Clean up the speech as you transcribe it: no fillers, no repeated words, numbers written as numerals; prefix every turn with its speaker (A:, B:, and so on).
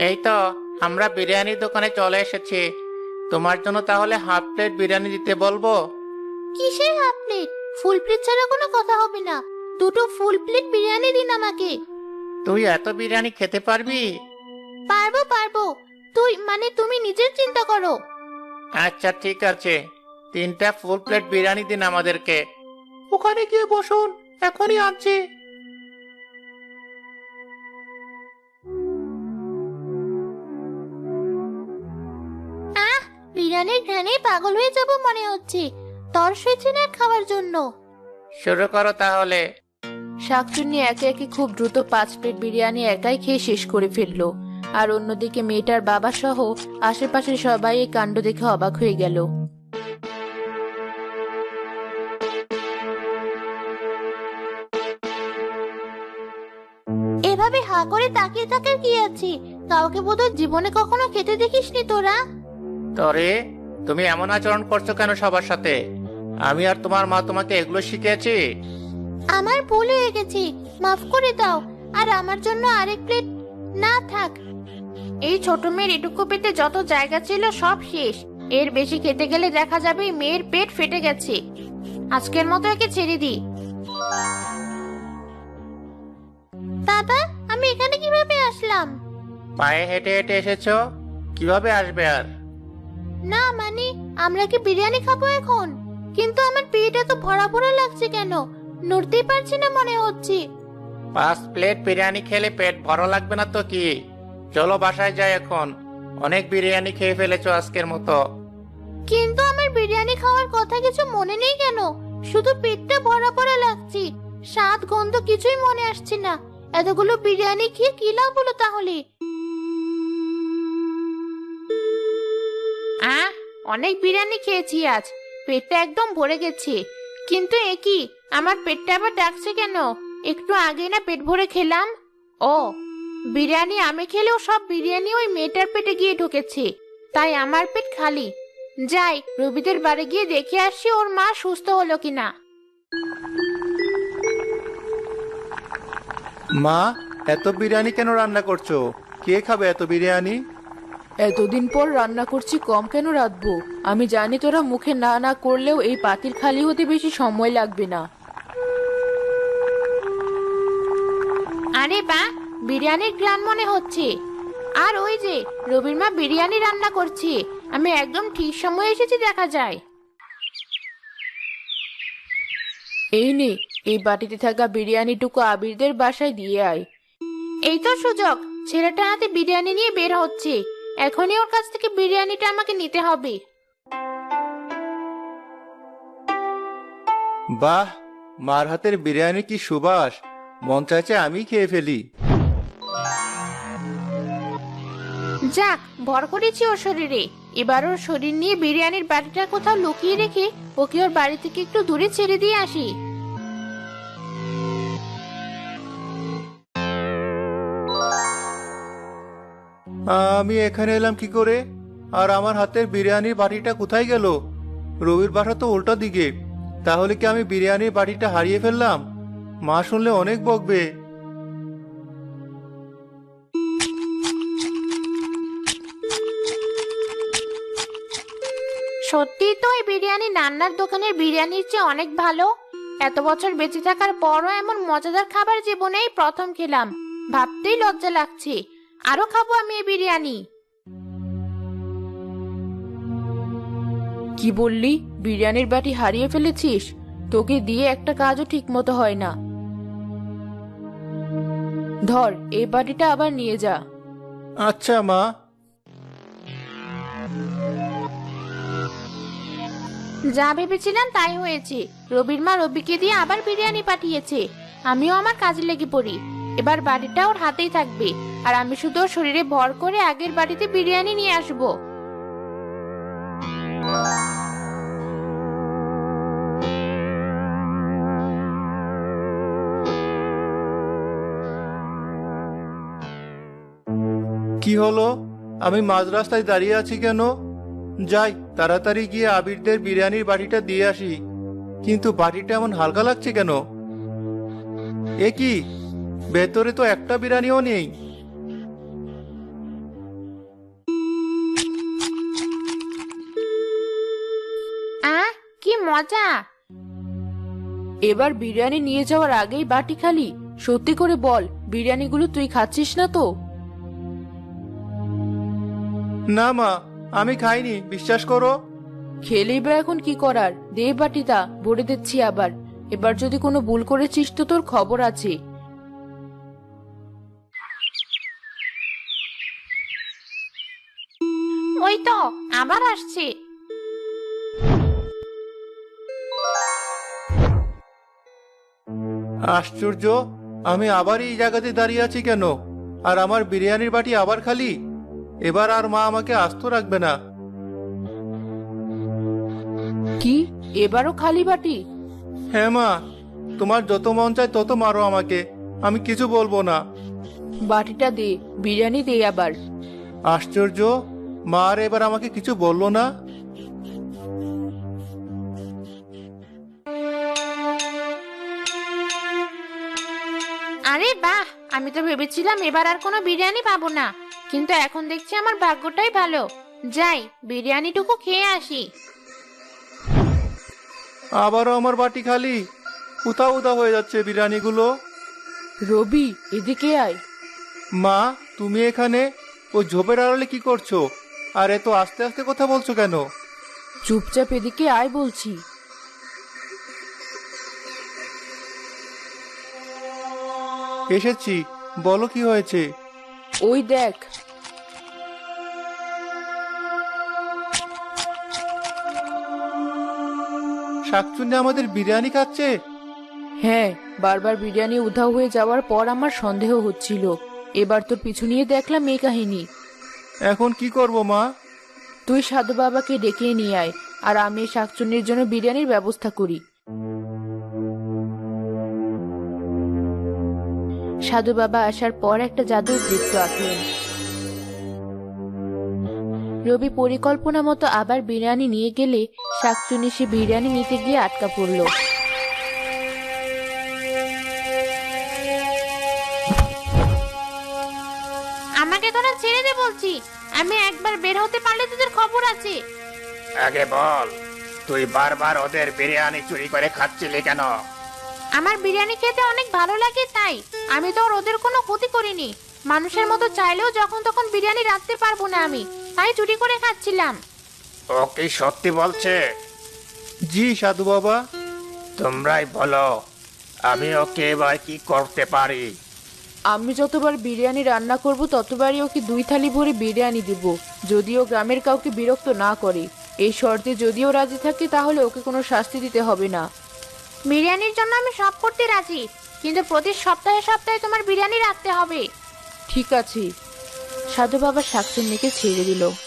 A: এই তো, আমরা বিরিয়ানির দোকানে চলে এসেছি। তোমার জন্য তাহলে হাফ প্লেট বিরিয়ানি দিতে বলবো?
B: কিসের হাফ প্লেট? ফুল প্লেট ছাড়া কোনো কথা হবে না। দুটো ফুল প্লেট বিরিয়ানি দিন আমাকে।
A: তুই এত বিরিয়ানি খেতে পারবি?
B: পারবো পারবো। তুমি নিজের চিন্তা করো।
A: আচ্ছা ঠিক আছে, 3টা ফুল প্লেট বিরিয়ানি দিন আমাদেরকে। ওখানে গিয়ে বসুন, এখনই আনছি।
B: আহ, বিরিয়ানির ঘ্রাণে পাগল হয়ে যাব মনে হচ্ছে। তর সইছে না খাওয়ার জন্য।
A: শুরু করো তাহলে।
C: শাকচুন্নি একে একে খুব দ্রুত 5 প্লেট বিরিয়ানি একাই খেয়ে শেষ করে ফেললো। আর অন্যদিকে মেয়েটার বাবা সহ আশেপাশের সবাই এই কাণ্ড দেখে অবাক হয়ে গেল।
B: এভাবে হা করে তাকিয়ে থাকার কি আছে? কাউকে বোধহয় জীবনে কখনো খেতে দেখিসনি তোরা।
A: তরে, তুমি এমন আচরণ করছো কেন সবার সাথে? আমি আর তোমার মা তোমাকে এগুলো শিখিয়েছি?
B: আমার ভুল হয়ে গেছে, মাফ করে দাও। আর আমার জন্য আরেক প্লেট। না থাক, এই ছোট মেয়ের এটুকু পেটে যত জায়গা ছিল সব শেষ। এর বেশি খেতে গেলে দেখা যাবে মেয়ের পেট ফেটে গেছে। আজকের মতো একে ছেড়ে দি। বাবা, আমি এখানে কিভাবে আসলাম?
A: পায়ে হেঁটে হেঁটে এসেছো? কিভাবে আসবে আর?
B: না মানে, আমরা কি বিরিয়ানি খাবো এখন? কিন্তু আমার পেট এত ভরা ভরা লাগছে কেন? নড়তেই পারছি না মনে হচ্ছে।
A: 5 প্লেট বিরিয়ানি খেলে পেট ভরা লাগবে না তো কি? চলো বাসায় যাই এখন। অনেক বিরিয়ানি খেয়ে ফেলেছো আজকের মতো।
B: কিন্তু আমার বিরিয়ানি খাওয়ার কথা কিছু মনে নেই কেন? শুধু পেটটা ভরা ভরা লাগছে। স্বাদ গন্ধ কিছুই মনে আসছে না। এতগুলো বিরিয়ানি খেয়ে কি লাভ হলো তাহলে? অনেক বিরিয়ানি খেয়েছি আজ, পেটটা একদম ভরে গেছে। কিন্তু এ কি, আমার পেটটা আবার ডাকছে কেন? একটু আগে না পেট ভরে খেলাম। ও, বিরিয়ানি আমি খেলেও সব বিরিয়ানি ওই মেয়েটার পেটে গিয়ে ঢুকেছে, তাই আমার পেট খালি। যাই, রবিদের বাড়ি গিয়ে দেখে আসি ওর মা সুস্থ হলো কিনা।
D: মা, এত বিরিয়ানি কেন রান্না করছো? কে খাবে এত বিরিয়ানি?
C: এতদিন পর রান্না করছি, কম কেন রাঁধবো? আমি জানি তোরা মুখে না না করলেও এই পাতিল খালি হতে বেশি সময় লাগবে না।
B: আরে বা, বিরিয়ানির গ্রান মনে হচ্ছে। আর ওই যে রবির মা বিরিয়ানি রান্না করছে। আমি একদম ঠিক সময় এসেছি দেখা যায়।
C: এই নে, এই বাটিতে থাকা বিরিয়ানিটুকু আবিরদের বাসায় দিয়ে আয়।
B: এই তো সুযোগ, ছেলেটা হাতে বিরিয়ানি নিয়ে বের হচ্ছে। এখনই ওর কাছ থেকে বিরিয়ানিটা আমাকে নিতে হবে।
D: বাহ, মার হাতের বিরিয়ানি কি সুবাস! মন চাইছে আমি খেয়ে ফেলি।
B: যাক, ভর করেছি ওর শরীরে। এবার ওর শরীর নিয়ে বিরিয়ানির বাটিটা কোথাও লুকিয়ে রেখে ওকে ওর বাড়ি থেকে একটু দূরে ছেড়ে দিয়ে আসি।
D: আমি এখানে এলাম কি করে? আর আমার হাতের বিরিয়ানির বাটিটা কোথায় গেল? রবির বাসা তো উল্টো দিকে। তাহলে কি আমি বিরিয়ানির বাটিটা হারিয়ে ফেললাম? মা শুনলে অনেক বকবে।
B: সত্যি তো এই বিরিয়ানি নান্নার দোকানের বিরিয়ানির চেয়ে অনেক ভালো। এত বছর বেঁচে থাকার পরও এমন মজাদার খাবার জীবনেই প্রথম খেলাম। ভাবতেই লজ্জা লাগছে। আরো খাবো আমি এই বিরিয়ানি।
C: কি বললি? বিরিয়ানির বাটি হারিয়ে ফেলেছিস? তোকে দিয়ে একটা কাজও ঠিক মতো হয় না। ধর, এই বাটিটা আবার নিয়ে যা।
D: আচ্ছা মা।
B: যা ভেবেছিলাম তাই হয়েছে। রবির মা রবিকে দিয়ে আবার বিরিয়ানি পাঠিয়েছে। আমিও আমার কাজে লেগে পড়ি। এবার বাড়িটা ওর হাতেই থাকবে, আর আমি শুধু ওর শরীরে ভর করে আগের বাড়িতে বিরিয়ানি নিয়ে আসবো।
D: কি হলো? আমি মাঝ রাস্তায় দাঁড়িয়ে আছি কেন? যাই, তাড়াতাড়ি গিয়ে আবিরদের বিরিয়ানির বাটিটা দিয়ে আসি। কিন্তু বাটিটা এমন হালকা লাগছে কেন? এ কি, ভেতরে তো একটা বিরিয়ানিও নেই।
B: মজা।
C: এবার বিরিয়ানি নিয়ে যাওয়ার আগেই বাটি খালি। সত্যি করে বল, বিরিয়ানিগুলো তুই খাচ্ছিস না তো?
D: না মা, আমি খাইনি, বিশ্বাস করো।
C: খেলেই বা এখন কি করার? দে বাটিটা, ভরে দিচ্ছি আবার। এবার যদি কোনো ভুল করেছিস তো তোর খবর আছে।
B: ওই তো আবার আসছে।
D: আশ্চর্য, আমি আবার এই জায়গাতে দাঁড়িয়ে আছি কেন? আর আমার বিরিয়ানির বাটি আবার খালি। এবার আর মা আমাকে আস্ত রাখবে না।
C: কি, এবারও খালি বাটি?
D: হ্যাঁ মা, তোমার যত মন চায় তত মারো আমাকে, আমি কিছু বলবো না।
C: বাটিটা দে, বিরিয়ানি দে আবার।
D: আশ্চর্য, মা আর এবার আমাকে কিছু বললো না।
B: আরে বাহ, আমি তো ভেবেছিলাম এবার আর কোনো বিরিয়ানি পাবো না, কিন্তু এখন দেখছি আমার ভাগ্যটাই ভালো। যাই, বিরিয়ানিটুকু খেয়ে আসি।
D: আবারও আমার বাটি খালি। উদা উদা হয়ে যাচ্ছে বিরিয়ানিগুলো।
C: রবি, এদিকে আয়।
D: মা, তুমি এখানে ওই ঝোপের আড়ালে কি করছো? আর এত আস্তে আস্তে কথা বলছো কেন?
C: চুপচাপ এদিকে আয় বলছি।
D: এসেছি, বলো কি হয়েছে?
C: ওই দেখ।
D: শাকচুন্নি আমাদের বিরিয়ানি খাচ্ছে।
C: হ্যাঁ, বারবার বিরিয়ানি উধাও হয়ে যাওয়ার পর আমার সন্দেহ হচ্ছিল। এবার তোর পিছু নিয়ে দেখলাম এই কাহিনী।
D: এখন কি করব মা?
C: তুই সাধু বাবাকে ডেকে নিয়ে আয়, আর আমি এই শাকচুন্নির জন্য বিরিয়ানির ব্যবস্থা করি। সাধু বাবা আসার পর একটা জাদুর বৃত্ত আঁকলেন। রবি পরিকল্পনা মতো আবার বিরিয়ানি নিয়ে গেলে শাকচুন্নি সে বিরিয়ানি নিতে গিয়ে আটকা পড়ল।
B: আমাকে তোরা ছেড়ে দে বলছি, আমি একবার বের হতে পারলে তোদের খবর আছে।
A: আগে বল, তুই বারবার ওদের বিরিয়ানি চুরি করে খাচ্ছিলি কেন?
B: আমার বিরিয়ানি খেতে অনেক ভালো লাগে তাই। আমি তো আর ওদের কোনো ক্ষতি করিনি। মানুষের মতো চাইলেও যখন তখন বিরিয়ানি রাখতে পারবো না আমি, তাই চুরি করে খাচ্ছিলাম।
A: ও কি সত্যি বলছে?
D: জি সাধু বাবা।
A: তোমরাই বলো, আমি ওকে এবার কি করতে পারি?
C: আমি যতবার বিরিয়ানি রান্না করব ততবারই ওকে 2 থালি ভরে বিরিয়ানি দিব, যদিও গ্রামের কাউকে বিরক্ত না করে। এই শর্তে যদিও রাজি থাকে তাহলে ওকে কোনো শাস্তি দিতে হবে না।
B: বিরিয়ানির জন্য আমি সব করতে রাজি, কিন্তু প্রতি সপ্তাহে সপ্তাহে তোমার বিরিয়ানি রাখতে হবে।
C: ঠিক আছে। সাধু বাবা শাকচুন্নিকে ছেড়ে দিল।